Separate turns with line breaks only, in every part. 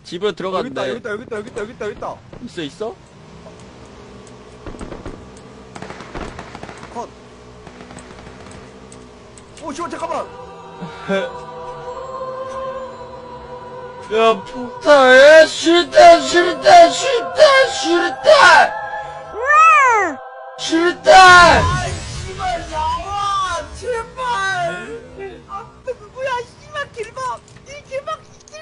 집으로 들어갔는데.
여기 있다.
있어?
컷. 오, 씨발, 잠깐만.
야, 폭탄에 싫다!
아, 씨발, 나와! 제발! 아, 누구야, 씨발, 길막! 이 길막!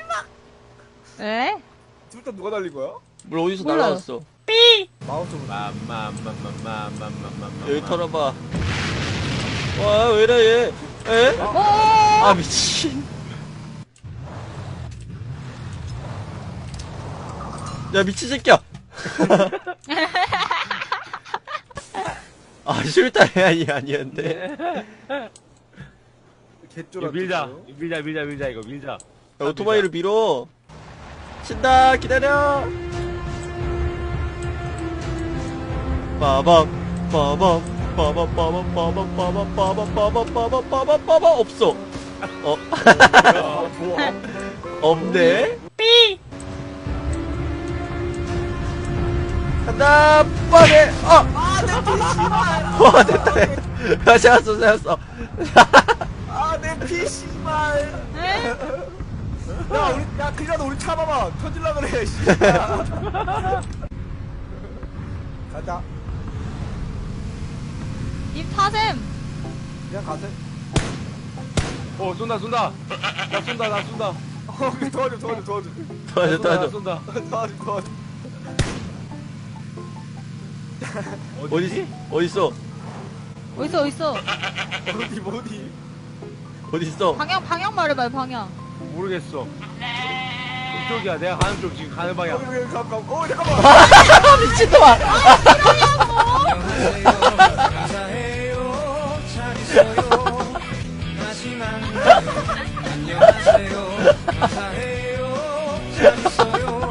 에?
둘 다 누가 날린 거야?
물 어디서
몰라요.
날라왔어?
마우스로.
여기 털어봐. 와, 왜 이래, 얘? 에? 아, 미친. 야, 미친 새끼야! 아, 싫다, 아니었는데.
개쫄아.
밀자 이거 밀자.
야, 오토바이를 밀어. 친다, 기다려. 빠밤, 빠밤, 빠밤, 빠밤, 빠밤, 빠밤, 빠밤, 빠밤, 빠밤, 빠밤, 빠밤, 없어. 없네? 간다, 빠네, 와, 됐다. 야, 세웠어.
아, 내 피, 씨발.
에?
야, 그이라도 우리 차 봐봐. 터질라 그래, 씨. 가자.
입 타셈.
그냥 가세.
쏜다. 나 쏜다.
도와줘.
도와줘.
쏜다.
도와줘.
어디지? 어딨어?
어딨어?
어디?
방향 말해봐요, 방향.
모르겠어. 이쪽이야. 내가 가는 쪽 지금 가는 방향.
여기, 잠깐만.
미친놈아!
감사해요. 잘 있어요. 다시 만나요. 안녕하세요. 감사해요. 잘 있어요.